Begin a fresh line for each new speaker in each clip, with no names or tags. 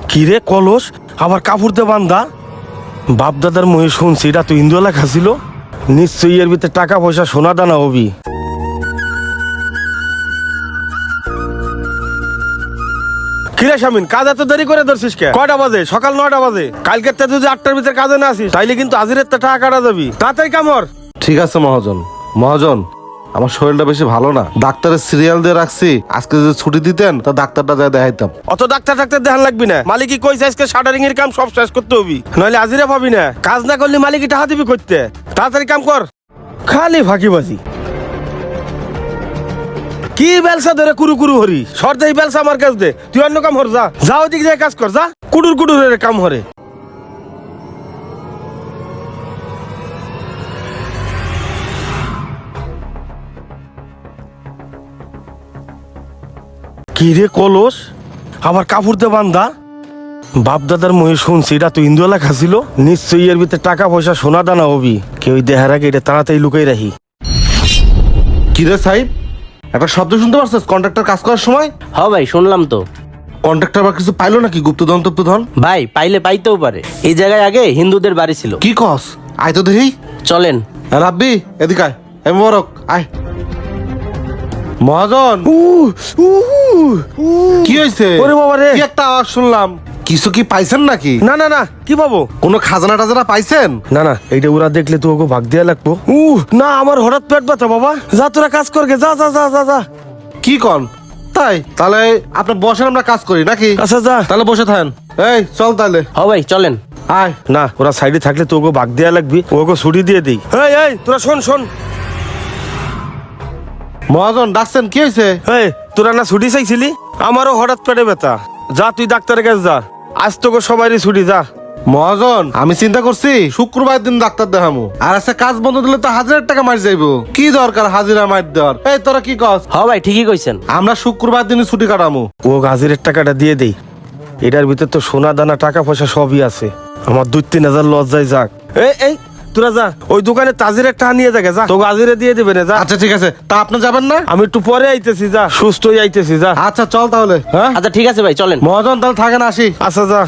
কিরে কলস আবার কাপড় দিয়ে বান্ধা? বাপ দাদার মুখে শুনছি এটা তো হিন্দু এলাকা ছিল, নিশ্চয়ই এর ভিতরে টাকা পয়সা সোনা দানা হবি। কিরে শামিন, কাজ এত দেরি করে ধরছিস কে? কয়টা বাজে? সকাল 9টা বাজে। কালকে তুই যদি 8টার ভিতরে কাজে না আসিস তাইলে কিন্তু হাজিরের টাকা কাটা যাবি। তাড়াতাড়ি কামর।
ঠিক আছে মহাজন। মহাজন, আমার শরীরটা বেশি ভালো না, ডাক্তারের সিরিয়াল দিয়ে রাখছি। আজকে যদি ছুটি দিতেন তা ডাক্তারটা যায় দেখাইতাম।
অত ডাক্তার দেখান লাগবি না। মালিকই কইছে আজকে শাটারিং এর কাম সব শেষ করতে হবি, নইলে হাজিরা পাবি না। কাজ না করলে মালিকই টাকা দিবি করতে। তাড়াতাড়ি কাম কর, খালি ফাঁকিবাজি। কি বেলসা ধরে কুরু কুরু হরি সর্দে বেলসা আমার কাছ দে। তুই অন্য কাম হর, যা যা ওদিক যায় কাজ কর, যা। কুডুর কুডুর কাম হরে। কি রে কলস আবার কাপড় দিয়ে বান্ধা? বাপ দাদার মুখে শুনছি এটা তো হিন্দু এলাকা ছিল, নিশ্চয়ই এর ভিতরে টাকা পয়সা সোনা দানা হবি। কেউ দেখার আগে এটা তাড়াতাড়ি লুকাই রাখি।
কিরে সাহেব, একটা শব্দ শুনতে পারছিস কন্ট্রাক্টর কাজ করার সময়?
হ্যাঁ ভাই, শুনলাম তো।
কন্ট্রাক্টর আবার কিছু পাইলো নাকি? গুপ্তধন টুপ্তধন?
ভাই পাইলে পাইতেও পারে। এই জায়গায় আগে হিন্দুদের বাড়ি ছিল।
কি কস? আয় তো দেখি।
চলেন।
রাব্বি এদিকে আয়। এ মোবারক আয়। মহাজন, কি হয়েছে?
ওরে বাবা রে,
কি একটা আওয়াজ শুনলাম। কিছু কি পাইছেন নাকি?
না না না, কি পাবো?
কোনো খাজানা টাজানা পাইছেন?
না না, এইটা ওরা দেখলে তো ওকে ভাগ দেয়া লাগবো। না, আমার হঠাৎ পেট ব্যথা বাবা। যা তোরা কাজ করগে, যা যা যা যা যা।
কি কন? তাই তাহলে আপনি বসেন, আমরা কাজ করি নাকি?
আচ্ছা যা।
তাহলে বসে থাকেন। এই চল তাহলে।
হ্যাঁ ভাই চলেন।
আয়।
না, ওরা সাইডে থাকলে তো ওকে ভাগ দেয়া লাগবে, ওকে ছুটি দিয়ে দিই। এই এই তোরা শোন শোন।
মহাজন ডাকছেন, কি হয়েছে?
এই তোরা না ছুটি চাইছিলি? আমারও হঠাৎ পেটে ব্যথা। যা তুই ডাক্তারের কাছে যা, আজ তোকে সবারই ছুটি, যা।
মহাজন, আমি চিন্তা করছি শুক্রবার দিন ডাক্তার দেখামু, আর আজকে কাজ বন্ধ দিলে তো 1000 টাকা মার যাইবো। কি দরকার হাজিরা মার দেওয়ার? এই তোরা কি কস?
হ্যাঁ ভাই ঠিকই কইছেন।
আমরা শুক্রবার দিনই ছুটি কাটামু।
ও হাজিরের টাকাটা দিয়ে দেই। এটার ভিতর তো সোনা দানা টাকা পয়সা সবই আছে। আমার 2-3 হাজার লজ্জায় যাক। এই এই তোরা যা, ওই দোকানে তাজিরের টাকা নিয়ে যাকে, যা। তোকে হাজিরে দিয়ে দেবে না, যা।
আচ্ছা ঠিক আছে, তা আপনি যাবেন না?
আমি একটু পরে আইতেছি, যা। সুস্থই আইতেছি, যা।
আচ্ছা চল তাহলে। হ্যাঁ
আচ্ছা ঠিক আছে ভাই, চলেন।
মহাজন তাহলে থাকেন, আসি।
আচ্ছা যা।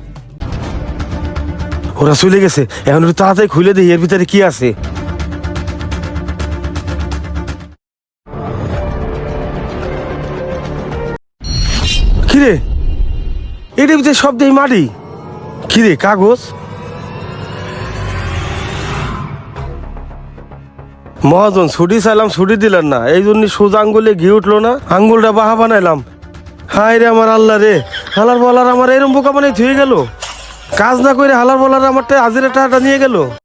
ওরা চলে গেছে, এখন একটু তাড়াতাড়ি খুলে দিই এর ভিতরে কি আছে। কিরে, এটার ভিতরে সব দেই মাটি। কিরে, কাগজ? মহাজন, ছুটি চাইলাম, ছুটি দিলেন না, এই জন্য সোজা আঙ্গুলে ঘি উঠলো না, আঙ্গুলটা বাহা বানাইলাম। হায় রে আমার আল্লাহ রে, হালার বলার আমার এরম বোকা বানাই থুয়ে গেল। কাজ না করে হালার বলার আমারটা হাজিরা টাকাটা নিয়ে গেল।